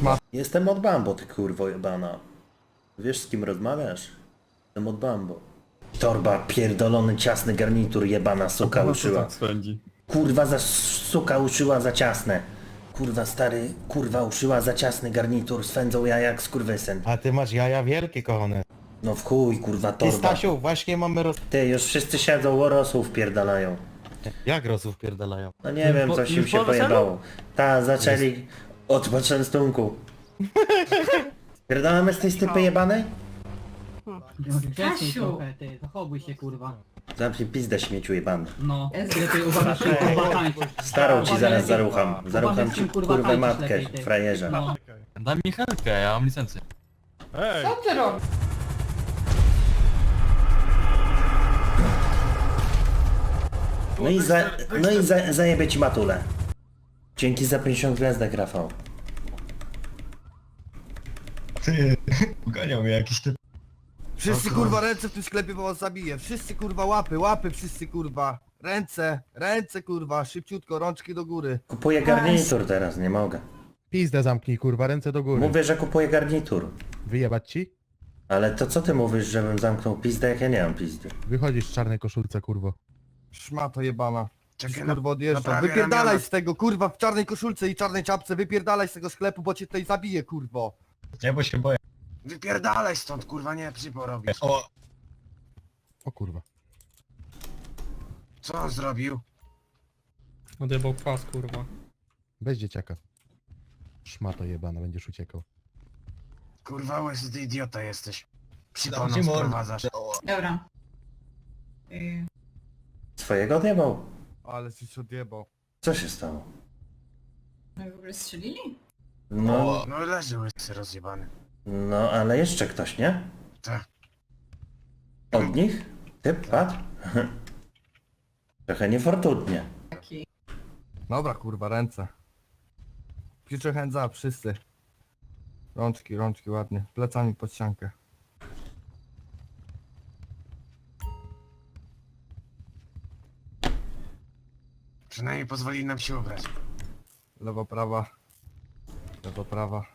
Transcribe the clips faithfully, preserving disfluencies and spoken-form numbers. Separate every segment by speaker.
Speaker 1: Szmat.
Speaker 2: Jestem od Bambo, ty kurwo jebana. Wiesz z kim rozmawiasz? Jestem od Bambo. Torba, pierdolony, ciasny garnitur, jebana suka uszyła. Kurwa za suka uszyła za ciasne. Kurwa stary, kurwa uszyła za ciasny garnitur, swędzą ja jak skurwysyn.
Speaker 1: A ty masz jaja wielkie, kochane.
Speaker 2: No w chuj, kurwa
Speaker 1: Ty,
Speaker 2: torba.
Speaker 1: Stasiu, właśnie mamy roz...
Speaker 2: Ty, już wszyscy siedzą, łorosłów pierdalają.
Speaker 1: Jak rosów pierdalają?
Speaker 2: No nie wiem,
Speaker 3: po-
Speaker 2: coś im
Speaker 3: już
Speaker 2: się
Speaker 3: po weselu?
Speaker 2: pojebało. Ta, zaczęli od poczęstunku. Pierdolamy z tej stypy jebanej?
Speaker 4: Grzeczniej trochę, ty, zachowuj się kurwa.
Speaker 2: Zamknij pizdę śmieciu jebany.
Speaker 4: No, lepiej uważaj, że kurwa tańczysz.
Speaker 2: Starą ci zaraz zarucham.
Speaker 4: Uważaj,
Speaker 2: Zarucham
Speaker 4: z
Speaker 2: ci
Speaker 4: kim, kurwa,
Speaker 2: kurwę
Speaker 4: tańczysz
Speaker 2: matkę,
Speaker 4: lepiej, ty.
Speaker 2: frajerze.
Speaker 4: No.
Speaker 3: Daj mi chętkę, ja mam licencję.
Speaker 5: Co ty robisz?
Speaker 2: No i, za, no i za, zajebie ci matulę. Dzięki za pięćdziesiąt gwiazdek, Rafał.
Speaker 6: Ty, uganiał mnie jakiś typ.
Speaker 7: Wszyscy kurwa ręce w tym sklepie, bo was zabiję. Wszyscy kurwa łapy, łapy wszyscy kurwa. Ręce, ręce kurwa, szybciutko, rączki do góry.
Speaker 2: Kupuję garnitur teraz, nie mogę.
Speaker 8: Pizdę zamknij, kurwa, ręce do góry.
Speaker 2: Mówię, że kupuję garnitur.
Speaker 8: Wyjebać ci?
Speaker 2: Ale to co ty mówisz, żebym zamknął pizdę, jak ja nie mam pizdy?
Speaker 8: Wychodzisz w czarnej koszulce, kurwo.
Speaker 7: Szmato jebana.
Speaker 6: Czekaj,
Speaker 7: Ci,
Speaker 6: na-
Speaker 7: kurwa odjeżdżam.
Speaker 6: naprawię
Speaker 7: Wypierdalaj
Speaker 6: ramiona.
Speaker 7: z tego kurwa w czarnej koszulce i czarnej czapce, wypierdalaj z tego sklepu, bo cię tutaj zabiję kurwo.
Speaker 6: Nie, bo się boję. Wypierdalaj stąd, kurwa, nie przypo robisz. O,
Speaker 8: O kurwa.
Speaker 6: co on zrobił?
Speaker 3: Odjebał kwas, kurwa.
Speaker 8: Bez dzieciaka. Szmato jebana, będziesz uciekał.
Speaker 6: Kurwa, łysy, ty idiota jesteś. Przypo
Speaker 1: Dam ci
Speaker 6: nas
Speaker 1: mordę.
Speaker 6: prowadzasz.
Speaker 5: Dobra. Y,
Speaker 2: Swojego odjebał?
Speaker 7: Ale coś odjebał.
Speaker 2: Co się stało?
Speaker 5: No i w ogóle strzelili?
Speaker 2: No,
Speaker 6: O, no leży łysy rozjebany.
Speaker 2: no ale jeszcze ktoś, nie?
Speaker 6: Tak.
Speaker 2: Od nich? Typ padł? Trochę niefortunnie.
Speaker 5: Taki.
Speaker 7: Dobra kurwa, ręce. Piczę chędza, wszyscy. Rączki, rączki ładnie. Plecami pod ściankę.
Speaker 6: Przynajmniej pozwolili nam się ubrać.
Speaker 7: Lewo, prawa. Lewo, prawa.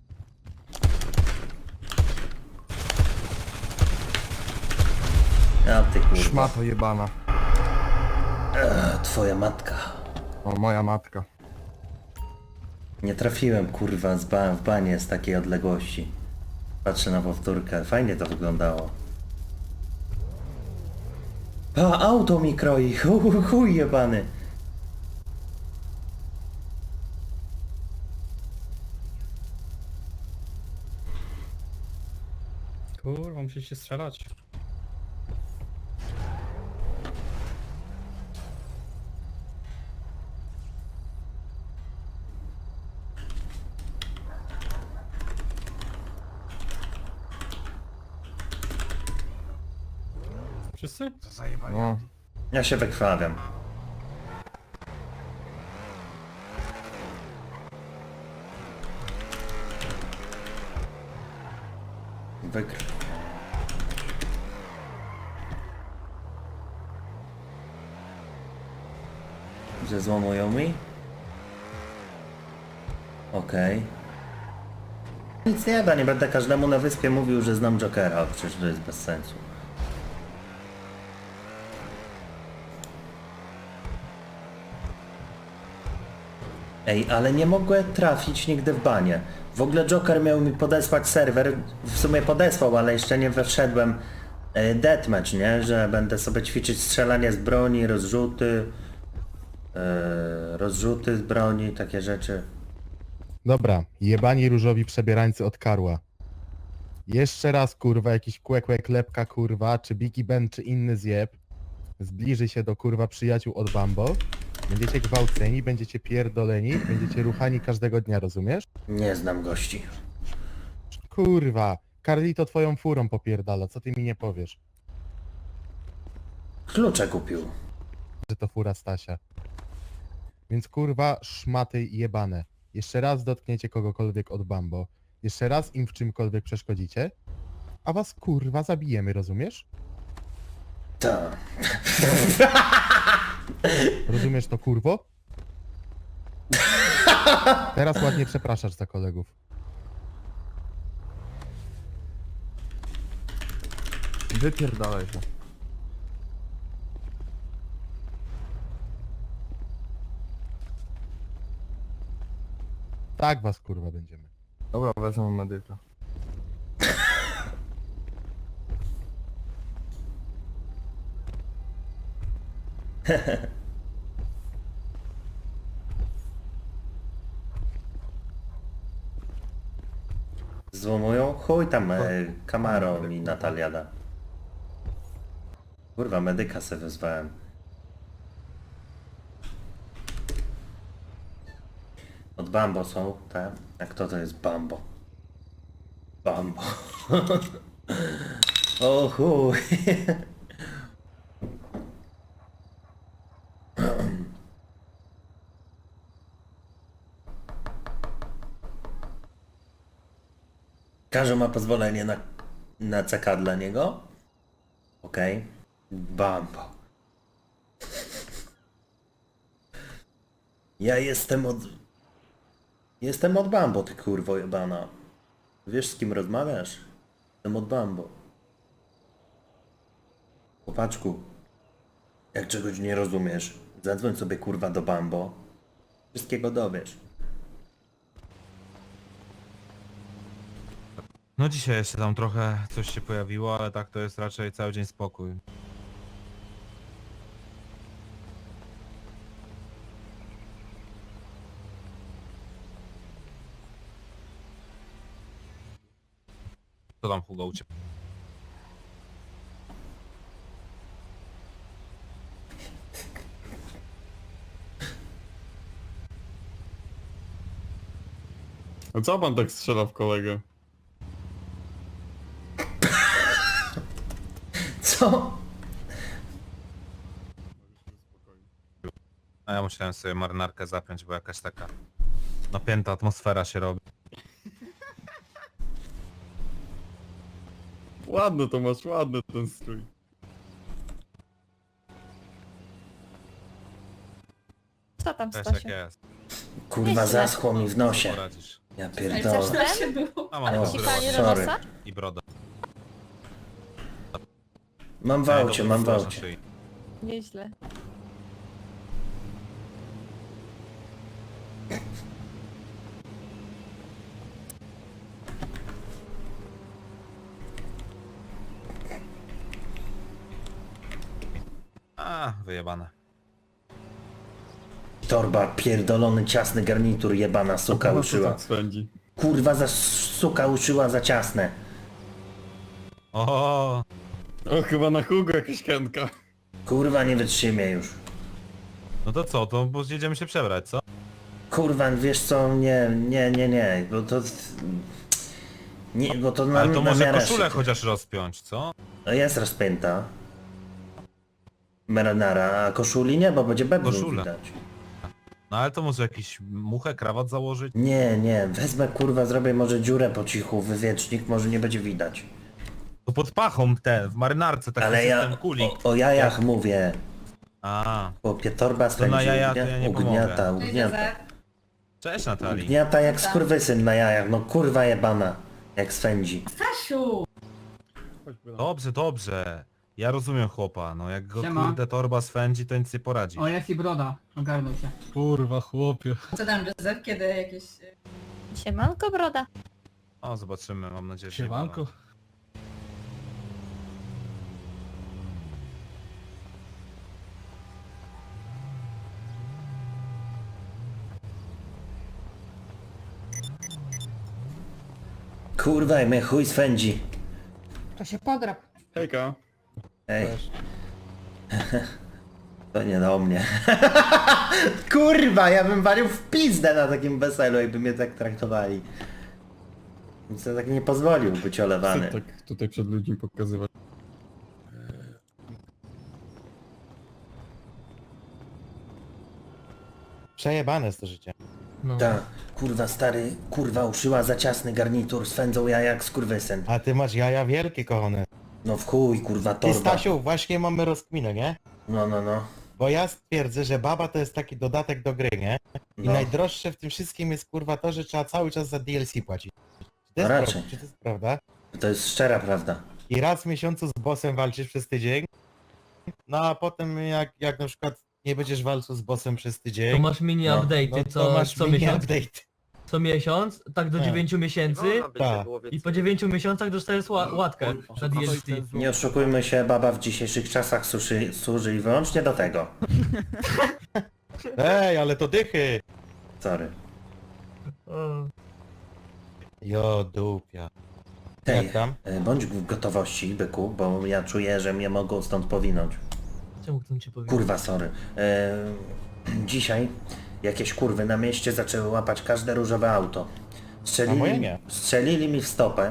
Speaker 2: A ty kurwa.
Speaker 7: Szmato jebana.
Speaker 2: A, twoja matka.
Speaker 7: O, moja matka.
Speaker 2: Nie trafiłem kurwa z ba w banie z takiej odległości. Patrzę na powtórkę, fajnie to wyglądało. A, auto mi kroi, chuj, chuj jebany.
Speaker 3: Kurwa, musisz się strzelać. Wszyscy?
Speaker 6: Co zajebali?
Speaker 7: No.
Speaker 2: Ja się wykrwawiam. Wykrw. Zezłomują mi? Okej. Nic nie da, nie będę każdemu na wyspie mówił, że znam Jokera, przecież to jest bez sensu. Ej, ale nie mogłem trafić nigdy w banie. W ogóle Joker miał mi podesłać serwer, w sumie podesłał, ale jeszcze nie wszedłem. E, deathmatch, nie? Że będę sobie ćwiczyć strzelanie z broni, rozrzuty, e, rozrzuty z broni, takie rzeczy.
Speaker 8: Dobra, jebani różowi przebierańcy od Karła. Jeszcze raz, kurwa, jakiś kłekłe klepka, kurwa, czy Biggie Ben, czy inny zjeb zbliży się do, kurwa, przyjaciół od Bambo. Będziecie gwałceni, będziecie pierdoleni, będziecie ruchani każdego dnia, rozumiesz?
Speaker 2: Nie znam gości.
Speaker 8: Kurwa, Carlito twoją furą popierdala, co ty mi nie powiesz?
Speaker 2: Klucze kupił.
Speaker 8: Że to fura Stasia. Więc kurwa, szmaty jebane. Jeszcze raz dotkniecie kogokolwiek od Bambo. Jeszcze raz im w czymkolwiek przeszkodzicie. A was kurwa zabijemy, rozumiesz?
Speaker 2: Tak.
Speaker 8: Rozumiesz to kurwo? Teraz ładnie przepraszasz za kolegów.
Speaker 7: Wypierdalaj się.
Speaker 8: Tak was kurwa będziemy.
Speaker 7: Dobra, wezmę medyka.
Speaker 2: Złomują? Chuj tam, e, Camaro mi Natalia da. Kurwa, medyka se wezwałem. Od Bambo są, tak? A kto to jest Bambo? Bambo. O chuj. Każdy ma pozwolenie na, na C K dla niego? Okej. Okay. Bambo. Ja jestem od... Jestem od Bambo, ty kurwo jebana. Wiesz z kim rozmawiasz? Jestem od Bambo. Chłopaczku, jak czegoś nie rozumiesz, zadzwoń sobie kurwa do Bambo. Wszystkiego dowiesz.
Speaker 9: No dzisiaj jeszcze tam trochę coś się pojawiło, ale tak to jest raczej cały dzień spokój. Co tam Hugo u ciebie?
Speaker 3: A co pan tak strzela w kolegę?
Speaker 2: Co?
Speaker 9: A ja musiałem sobie marynarkę zapiąć, bo jakaś taka napięta atmosfera się robi.
Speaker 3: Ładny to masz, ładny ten strój.
Speaker 10: Co tam,
Speaker 9: Wiesz jak
Speaker 10: Stasiu?
Speaker 9: jest.
Speaker 2: Kurwa, zaschło mi w nosie.
Speaker 9: Poradzisz.
Speaker 2: Ja
Speaker 10: Chcesz
Speaker 2: pierdolę.
Speaker 10: ten?
Speaker 5: się było.
Speaker 9: A mam
Speaker 2: O,
Speaker 9: to
Speaker 10: Ci
Speaker 9: zdrowo.
Speaker 10: pani do
Speaker 2: sorry.
Speaker 10: nosa?
Speaker 9: I broda.
Speaker 2: Mam w aucie, mam w aucie.
Speaker 9: Szyi.
Speaker 10: Nieźle.
Speaker 9: A, wyjebane.
Speaker 2: Torba, pierdolony, ciasny garnitur, jebana suka uszyła.
Speaker 3: Swędzi.
Speaker 2: Kurwa, za suka uszyła za ciasne.
Speaker 9: O,
Speaker 3: O, chyba na Hugo jakaś chętka.
Speaker 2: Kurwa, nie wytrzymię już.
Speaker 9: no to co, to bo jedziemy się przebrać, co?
Speaker 2: Kurwa, wiesz co, nie, nie, nie, nie, bo to... Nie, bo to na,
Speaker 9: Ale to
Speaker 2: na
Speaker 9: może
Speaker 2: miarę
Speaker 9: koszulę
Speaker 2: szyty.
Speaker 9: chociaż rozpiąć, co?
Speaker 2: No jest rozpięta. Marinara, a koszuli nie, bo będzie bebru
Speaker 9: Koszula.
Speaker 2: widać.
Speaker 9: No ale to może jakiś muchę, krawat założyć?
Speaker 2: Nie, nie, wezmę kurwa, zrobię może dziurę po cichu, wywiecznik, może nie będzie widać.
Speaker 9: To pod pachą te, w marynarce taki
Speaker 2: Ale
Speaker 9: system
Speaker 2: ja
Speaker 9: kulik.
Speaker 2: o, o jajach mówię.
Speaker 9: A,
Speaker 2: Chłopie, torba spędzi,
Speaker 9: na jaja to
Speaker 2: ugnia-
Speaker 9: ja nie
Speaker 2: ugniata,
Speaker 5: No i
Speaker 2: ugniata.
Speaker 5: deser.
Speaker 9: cześć Natalii.
Speaker 2: Ugniata jak skurwysyn na jajach, no kurwa jebana, jak swędzi.
Speaker 5: Stasiu!
Speaker 9: Dobrze, dobrze. Ja rozumiem chłopa, no jak go
Speaker 4: Siema.
Speaker 9: kurde torba swędzi, to nic nie poradzi.
Speaker 4: O, jest i broda. Ogarnął się.
Speaker 3: Kurwa, chłopie.
Speaker 5: Co tam, Joseph? Kiedy jakieś... y,
Speaker 10: Siemanko, broda.
Speaker 9: O, zobaczymy, mam nadzieję, że...
Speaker 3: Siemanko.
Speaker 2: Kurwa, i mnie chuj swędzi.
Speaker 4: To się podrap.
Speaker 3: Hejka.
Speaker 2: Ej. To nie do mnie. Kurwa, ja bym walił w pizdę na takim weselu, jakby mnie tak traktowali. Nic ja tak nie pozwolił być olewany.
Speaker 3: Co tak tutaj przed ludźmi pokazywać?
Speaker 1: Przejebane jest to życie.
Speaker 3: No.
Speaker 2: Ta, kurwa stary, kurwa uszyła za ciasny garnitur, swędzą ja jak skurwysyn.
Speaker 1: A ty masz jaja wielkie, kochane.
Speaker 2: No w chuj, kurwa
Speaker 1: Ty,
Speaker 2: torba.
Speaker 1: Stasiu, właśnie mamy rozkminę, nie?
Speaker 2: No, no, no.
Speaker 1: Bo ja stwierdzę, że baba to jest taki dodatek do gry, nie? I
Speaker 2: No.
Speaker 1: najdroższe w tym wszystkim jest kurwa to, że trzeba cały czas za D L C płacić. Czy to jest,
Speaker 2: No raczej.
Speaker 1: prawda? Czy to jest prawda?
Speaker 2: To jest szczera prawda.
Speaker 1: I raz w miesiącu z bossem walczysz przez tydzień. No a potem jak, jak na przykład nie będziesz walczył z bossem przez tydzień,
Speaker 11: To masz mini
Speaker 2: No,
Speaker 11: update'y
Speaker 1: no to
Speaker 11: co,
Speaker 1: masz
Speaker 11: co
Speaker 1: mini
Speaker 11: miesiąc?
Speaker 1: update.
Speaker 11: Co miesiąc, tak do
Speaker 1: Tak.
Speaker 11: dziewięciu miesięcy
Speaker 1: Tak.
Speaker 11: i po dziewięciu miesiącach dostajesz ła łatkę na D L C.
Speaker 2: Nie oszukujmy się, baba w dzisiejszych czasach służy, służy i wyłącznie do tego.
Speaker 1: Ej, ale to dychy!
Speaker 2: Sorry.
Speaker 11: O,
Speaker 1: Jo, dupia.
Speaker 2: Tej,
Speaker 1: Jak tam?
Speaker 2: e, bądź w gotowości, byku, bo ja czuję, że mnie mogą stąd powinąć.
Speaker 11: czemu chcę ci powiedzieć?
Speaker 2: Kurwa, sorry. E, dzisiaj jakieś kurwy na mieście zaczęły łapać każde różowe auto.
Speaker 1: A
Speaker 2: Strzelili,
Speaker 1: moje nie.
Speaker 2: strzelili mi w stopę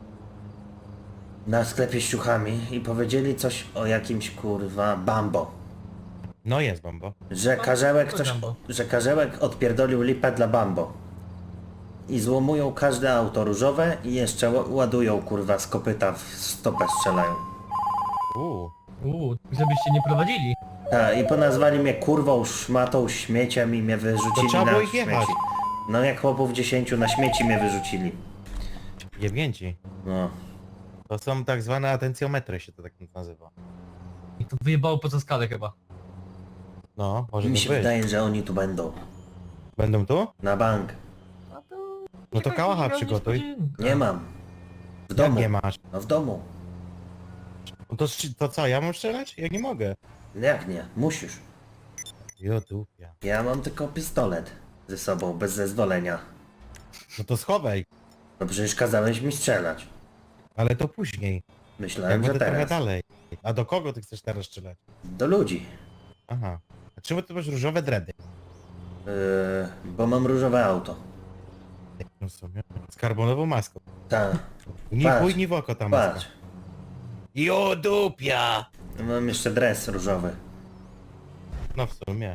Speaker 2: na sklepie z ciuchami i powiedzieli coś o jakimś kurwa Bambo.
Speaker 1: No jest Bambo.
Speaker 2: Że karzełek coś,
Speaker 11: Bambo.
Speaker 2: że karzełek odpierdolił lipę dla Bambo. I złomują każde auto różowe i jeszcze ła- ładują kurwa z kopyta w stopę strzelają.
Speaker 1: Uuu.
Speaker 11: Uuu, żebyście nie prowadzili.
Speaker 2: A, i ponazwali mnie kurwą, szmatą, śmieciem i mnie
Speaker 1: To
Speaker 2: wyrzucili
Speaker 1: trzeba
Speaker 2: na
Speaker 1: było ich jechać.
Speaker 2: śmieci. No jak chłopów dziesięciu na śmieci mnie wyrzucili.
Speaker 1: Jebnięci.
Speaker 2: No.
Speaker 1: To są tak zwane atencjometry, się to tak nazywa.
Speaker 11: I to wyjebało poza skalę chyba.
Speaker 1: No, może
Speaker 2: Mi
Speaker 1: to
Speaker 2: się
Speaker 1: być.
Speaker 2: wydaje, że oni tu będą.
Speaker 1: Będą tu?
Speaker 2: Na bank.
Speaker 1: No to kałacha przygotuj.
Speaker 11: Niespodzianka.
Speaker 2: Nie mam. W
Speaker 1: Jak
Speaker 2: domu.
Speaker 1: nie masz?
Speaker 2: No w domu.
Speaker 1: No to, sz- to co, ja mam strzelać? Ja nie mogę.
Speaker 2: Jak nie? Musisz.
Speaker 1: Jo, dupia.
Speaker 2: Ja mam tylko pistolet ze sobą, bez zezwolenia.
Speaker 1: No to schowaj.
Speaker 2: No przecież kazałeś mi strzelać.
Speaker 1: Ale to później. Jak
Speaker 2: Myślałem, że
Speaker 1: będę trochę
Speaker 2: teraz.
Speaker 1: dalej. A do kogo ty chcesz teraz strzelać?
Speaker 2: Do ludzi.
Speaker 1: Aha. A czemu ty masz różowe dredy?
Speaker 2: Yy, bo mam różowe auto.
Speaker 1: No w sumie. Z karbonową maską.
Speaker 2: Tak.
Speaker 1: Ni
Speaker 2: Patrz.
Speaker 1: chuj, ni w oko ta maska.
Speaker 2: Patrz.
Speaker 1: Jo, dupia!
Speaker 2: Mam jeszcze dres różowy.
Speaker 1: No w sumie.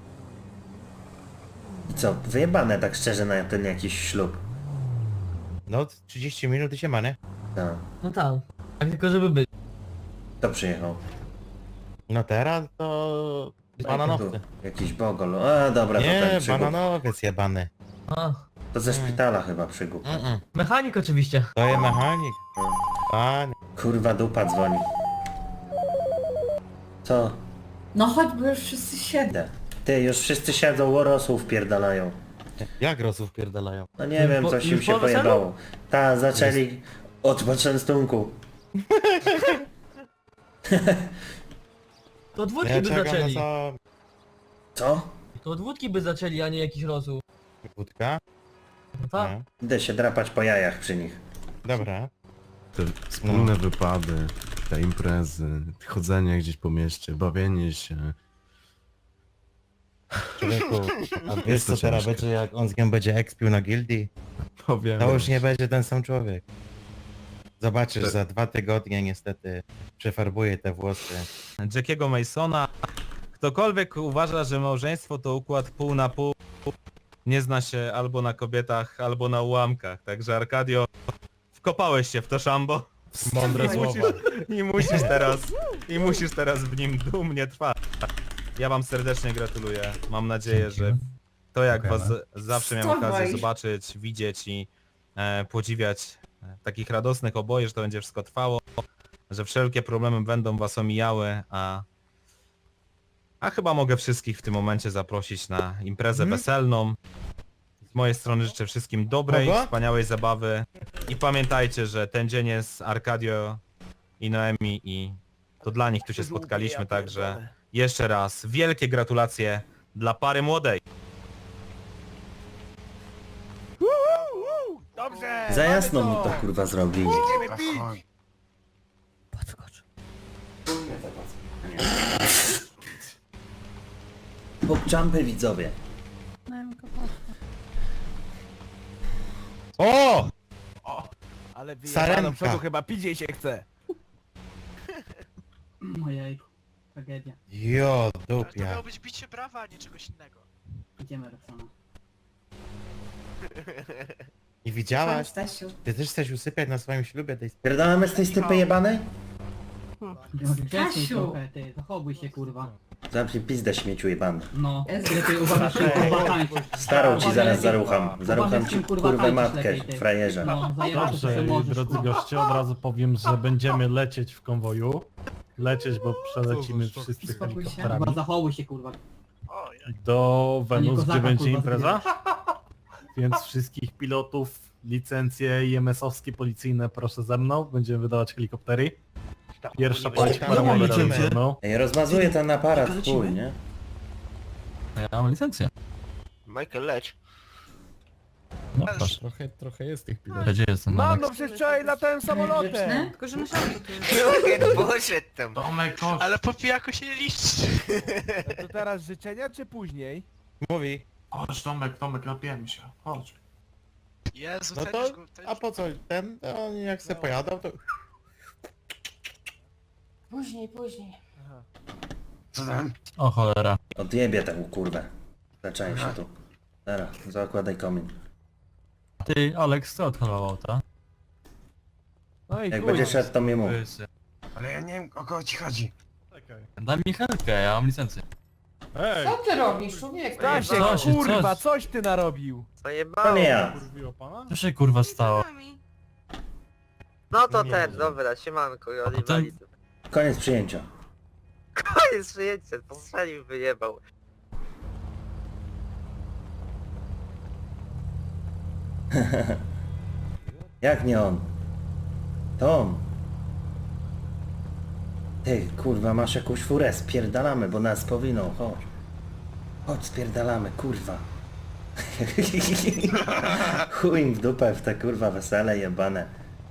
Speaker 2: I co? Wyjebane tak szczerze na ten jakiś ślub.
Speaker 1: No trzydzieści minut i się ma, nie?
Speaker 2: Tak.
Speaker 11: No tak. Tak tylko żeby być.
Speaker 2: Kto przyjechał?
Speaker 1: No teraz to... Bananowcy.
Speaker 2: Tu Jakiś bogol. A dobra, to
Speaker 1: Nie,
Speaker 2: ten przygód.
Speaker 1: bananowiec jebany.
Speaker 11: A,
Speaker 2: To ze szpitala chyba przygód.
Speaker 1: Mm-mm.
Speaker 11: mechanik oczywiście.
Speaker 1: To jest mechanik. Panie.
Speaker 2: Kurwa dupa dzwoni. Co?
Speaker 5: No chodź, bo już wszyscy siedzą.
Speaker 2: Idę. Ty, już wszyscy siedzą, łorosłów pierdalają.
Speaker 1: Jak rosów pierdalają?
Speaker 2: No nie
Speaker 11: Już
Speaker 2: wiem,
Speaker 11: po-
Speaker 2: coś im
Speaker 11: już
Speaker 2: się
Speaker 11: po weselu?
Speaker 2: pojebało. Ta, zaczęli od poczęstunku.
Speaker 11: To od wódki
Speaker 1: Ja
Speaker 11: by
Speaker 1: czekam na
Speaker 11: zaczęli.
Speaker 1: co...
Speaker 2: Co?
Speaker 11: To od wódki by zaczęli, a nie jakiś rosół.
Speaker 1: Wódka?
Speaker 11: No tak.
Speaker 1: No.
Speaker 2: Idę się drapać po jajach przy nich.
Speaker 1: Dobra.
Speaker 3: Te wspólne wypady, te imprezy, chodzenie gdzieś po mieście, bawienie się.
Speaker 1: Człowieku, a wiesz
Speaker 3: Jest to
Speaker 1: co teraz
Speaker 3: ciężkie.
Speaker 1: będzie, jak on z nią będzie ekspił na gildii?
Speaker 3: Powiem.
Speaker 1: To już nie będzie ten sam człowiek. Zobaczysz,
Speaker 3: Te-
Speaker 1: za dwa tygodnie niestety przefarbuje te włosy.
Speaker 9: Jackiego Masona. Ktokolwiek uważa, że małżeństwo to układ pół na pół, nie zna się albo na kobietach, albo na ułamkach. Także Arkadio, wkopałeś się w to szambo.
Speaker 1: Mądre
Speaker 9: I musisz, I musisz teraz, i musisz teraz w nim dumnie trwać. Ja wam serdecznie gratuluję. Mam nadzieję, że to jak was z- zawsze miałem
Speaker 5: Wstawaj.
Speaker 9: okazję zobaczyć, widzieć i e, podziwiać e, takich radosnych oboje, że to będzie wszystko trwało, że wszelkie problemy będą was omijały, a a chyba mogę wszystkich w tym momencie zaprosić na imprezę
Speaker 1: Mhm.
Speaker 9: weselną. Z mojej strony życzę wszystkim dobrej,
Speaker 1: Kogo?
Speaker 9: wspaniałej zabawy i pamiętajcie, że ten dzień jest Arkadio i Noemi i to dla nich tu się spotkaliśmy, także jeszcze raz wielkie gratulacje dla pary młodej.
Speaker 2: Za jasno mi to kurwa zrobili.
Speaker 6: Chodź.
Speaker 11: Podskocz.
Speaker 2: Pokczampy widzowie.
Speaker 1: O!
Speaker 6: Ale
Speaker 1: Sarenka.
Speaker 6: do przodu chyba pidziej się chce.
Speaker 4: Ojejku, tragedia.
Speaker 1: Jo, dupia.
Speaker 12: być bicie brawa, a nie czegoś innego.
Speaker 4: Idziemy, Roxana.
Speaker 1: I
Speaker 5: Chodź,
Speaker 1: widziałaś?
Speaker 5: Stasiu.
Speaker 1: Ty też chcesz usypiać na swoim ślubie tej...
Speaker 2: Pierdolamy z tej stypy jebanej?
Speaker 4: Grzecznie
Speaker 5: Stasiu!
Speaker 4: trochę, ty, zachowuj się, kurwa.
Speaker 2: Zamknij pizdę śmieciu jebany.
Speaker 4: No,
Speaker 5: Jezu.
Speaker 4: lepiej uważaj, z tym, kurwa tańczyć.
Speaker 2: Starą ci zaraz zarucham.
Speaker 4: Uważaj,
Speaker 2: Zarucham
Speaker 4: z
Speaker 2: ci
Speaker 4: tym, kurwa,
Speaker 2: kurwę
Speaker 4: tańczysz
Speaker 2: matkę,
Speaker 4: lepiej, ty.
Speaker 2: frajerze.
Speaker 4: No, zajebać to
Speaker 8: Dobrze,
Speaker 4: się możesz,
Speaker 8: drodzy
Speaker 4: kurwa.
Speaker 8: goście, od razu powiem, że będziemy lecieć w konwoju. Lecieć, bo przelecimy wszyscy
Speaker 5: Uspokój się.
Speaker 8: helikopterami
Speaker 4: Kurwa, zachowuj się, kurwa.
Speaker 8: do
Speaker 4: A nie
Speaker 8: Wenus,
Speaker 4: kozaka,
Speaker 8: gdzie będzie
Speaker 4: kurwa,
Speaker 8: impreza. Więc wszystkich pilotów, licencje I M S-owskie, policyjne proszę ze mną. Będziemy wydawać helikoptery. Pierwsza pani
Speaker 1: tam
Speaker 8: paramowa
Speaker 1: nie
Speaker 8: razem
Speaker 1: lecimy.
Speaker 8: ze mną.
Speaker 2: Ej, rozmazuję ten aparat, chuj, nie?
Speaker 11: Ja mam licencję.
Speaker 6: Michael, leć.
Speaker 11: No proszę.
Speaker 8: Trochę, trochę jest tych pilotów.
Speaker 11: Gdzie jestem?
Speaker 7: Mam,
Speaker 11: Alex?
Speaker 7: no przecież wczoraj latałem samolotem.
Speaker 5: Grzeczny?
Speaker 12: Tylko, że myślałem, że to jest...
Speaker 6: Poszedł tam.
Speaker 12: Ale po pijaku się nie liczy.
Speaker 7: To teraz życzenia czy później?
Speaker 1: Mówi.
Speaker 3: Chodź Tomek, Tomek, napijemy się. Chodź.
Speaker 12: Jezu,
Speaker 1: No
Speaker 12: ten
Speaker 1: to,
Speaker 12: już go... Ten...
Speaker 1: a po co ten, on jak se pojadał, to...
Speaker 5: Później, później.
Speaker 6: Co tam?
Speaker 11: O cholera.
Speaker 2: Odjebie tę kurwę. Zacząłem się tu. Dobra, zakładaj komin.
Speaker 11: Ty, Alex, co odholował, ta?
Speaker 7: No i
Speaker 2: Jak
Speaker 7: chuj.
Speaker 2: będzie szedł, to mi mów.
Speaker 6: Ale ja nie wiem, o kogo ci chodzi.
Speaker 11: Daj mi helkę, ja mam licencję.
Speaker 8: Ej!
Speaker 5: Co ty robisz, człowieku?
Speaker 7: Stasiek,
Speaker 11: Coś,
Speaker 7: kurwa,
Speaker 11: coś.
Speaker 7: coś ty narobił.
Speaker 2: To nie ja.
Speaker 8: Kurwiło pana?
Speaker 11: Co się kurwa stało?
Speaker 13: No
Speaker 1: to ten,
Speaker 13: dobra, siemanko,
Speaker 11: A potem...
Speaker 2: Koniec przyjęcia.
Speaker 13: Koniec przyjęcia, postrzelił, wyjebał.
Speaker 2: Jak nie on? To on. Ty, kurwa, masz jakąś furę, spierdalamy, bo nas powinął, chodź. Chodź, spierdalamy, kurwa. Chuj im w dupę w te kurwa wesele jebane.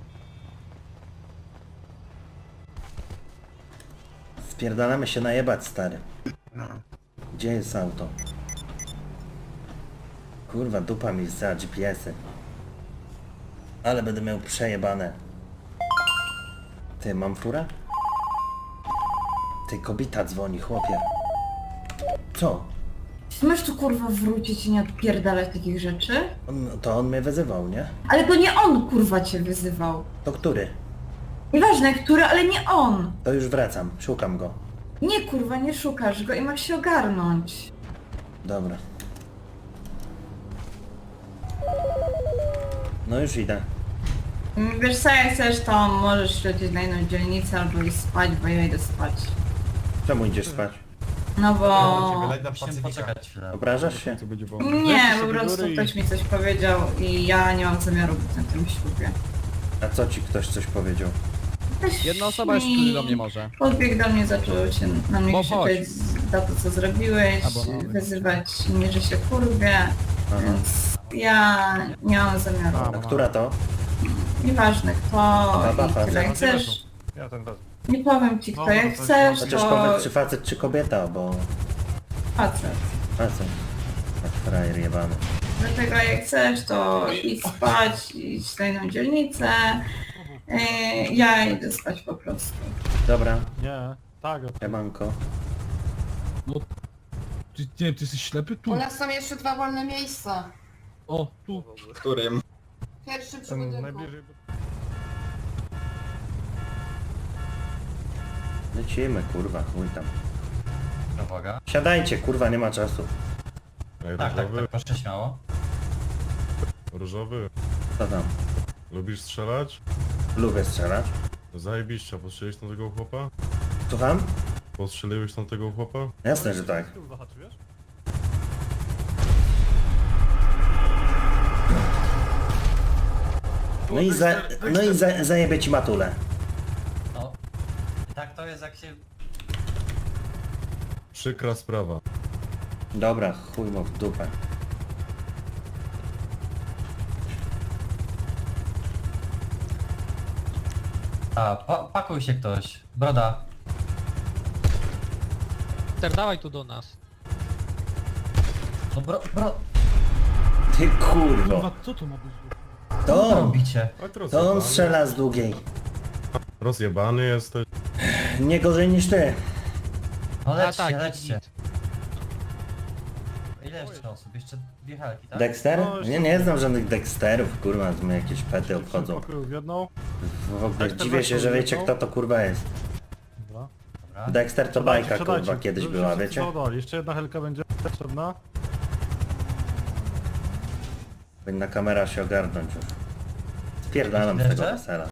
Speaker 2: Spierdalamy się najebać, stary. Gdzie jest auto? Kurwa, dupa mi za G P S-y. Ale będę miał przejebane. Ty, mam furę? Ty, kobieta dzwoni, chłopie. Co?
Speaker 5: Możesz tu kurwa wrócić i nie odpierdalać takich rzeczy?
Speaker 2: On, to on mnie wyzywał, nie?
Speaker 5: Ale to nie on kurwa cię wyzywał.
Speaker 2: To który?
Speaker 5: Nieważne który, ale nie on.
Speaker 2: To już wracam, szukam go.
Speaker 5: Nie kurwa, nie szukasz go i masz się ogarnąć.
Speaker 2: Dobra. No już idę.
Speaker 5: Wiesz co, jak chcesz, to możesz lecieć na inną dzielnicę albo iść spać, bo ja idę spać.
Speaker 2: Czemu idziesz spać?
Speaker 5: No bo...
Speaker 1: Wyleć na
Speaker 11: Musimy
Speaker 1: Pacyfika.
Speaker 11: poczekać chwilę.
Speaker 2: Obrażasz się?
Speaker 5: Nie, po prostu ktoś mi coś powiedział i ja nie mam zamiaru być na tym ślubie.
Speaker 2: A co ci ktoś coś powiedział?
Speaker 5: Ktoś
Speaker 7: Jedna osoba jeszcze
Speaker 5: mi
Speaker 7: do mnie może.
Speaker 5: podbiegł do mnie, zaczął się na mnie
Speaker 7: Bo chodź.
Speaker 5: krzyczeć za to, co zrobiłeś,
Speaker 7: Albo mamy.
Speaker 5: wyzywać mnie, że się kurwię,
Speaker 2: Aha.
Speaker 5: więc ja nie mam zamiaru.
Speaker 2: A która to?
Speaker 5: Nieważne kto
Speaker 2: Baba,
Speaker 5: i tyle. Jak
Speaker 2: facet.
Speaker 5: chcesz, nie powiem ci kto, jak chcesz,
Speaker 2: Chociaż
Speaker 5: to
Speaker 2: powiedz czy facet czy kobieta, bo...
Speaker 5: facet.
Speaker 2: Facet. Tak frajer jebany.
Speaker 5: Dlatego jak chcesz, to idź spać, idź na inną dzielnicę. Yy, ja idę spać po prostu.
Speaker 2: Dobra,
Speaker 8: Nie, tak.
Speaker 2: siemanko.
Speaker 11: Ty, nie, ty jesteś ślepy? Tu.
Speaker 5: U nas są jeszcze dwa wolne miejsca.
Speaker 11: O, tu.
Speaker 13: Którym?
Speaker 5: Pierwszy przy budynku.
Speaker 2: Lecimy, kurwa, chuj tam.
Speaker 11: Uwaga.
Speaker 2: Siadajcie, kurwa, nie ma czasu.
Speaker 3: Ej,
Speaker 11: Tak, tak,
Speaker 3: różowy,
Speaker 11: tak, proszę śmiało.
Speaker 3: różowy,
Speaker 2: Co tam?
Speaker 3: lubisz strzelać?
Speaker 2: Lubię strzelać.
Speaker 3: Zajebiście, postrzeliłeś tam tego chłopa?
Speaker 2: Słucham?
Speaker 3: Postrzeliłeś tam tego chłopa?
Speaker 2: Jasne, że tak.
Speaker 8: Zahaczyłeś?
Speaker 2: No i, za, no i za, zajebie ci matulę.
Speaker 11: No. I tak to jest jak się...
Speaker 3: Przykra sprawa.
Speaker 2: Dobra, chuj mu w dupę.
Speaker 11: A, pa pakuj się ktoś. Broda.
Speaker 12: Dawaj tu do nas.
Speaker 11: No bro, bro...
Speaker 2: Ty kurwo.
Speaker 11: co to ma być?
Speaker 2: To
Speaker 11: Co
Speaker 2: on,
Speaker 11: robicie?
Speaker 3: Oj,
Speaker 2: to on
Speaker 3: rozjebany.
Speaker 2: strzela z długiej.
Speaker 3: Rozjebany jesteś.
Speaker 2: Nie gorzej niż ty.
Speaker 11: No lećcie,
Speaker 12: tak,
Speaker 11: lećcie. Ile jeszcze osób? Jeszcze dwie helki, tak?
Speaker 2: Dexter?
Speaker 8: No,
Speaker 2: Nie, nie znam żadnych Dexterów, kurwa, z mnie jakieś pety obchodzą.
Speaker 8: W jedną.
Speaker 2: W ogóle
Speaker 8: Dexter
Speaker 2: dziwię się, że
Speaker 8: weź
Speaker 2: wiecie
Speaker 8: jedną.
Speaker 2: kto to kurwa jest.
Speaker 8: Dobra.
Speaker 2: Dexter to bajka kurwa kiedyś była, wiecie?
Speaker 3: Jeszcze jedna helka będzie potrzebna.
Speaker 2: Powinna kamera się ogarnąć już. Spierdalam z tego wesela.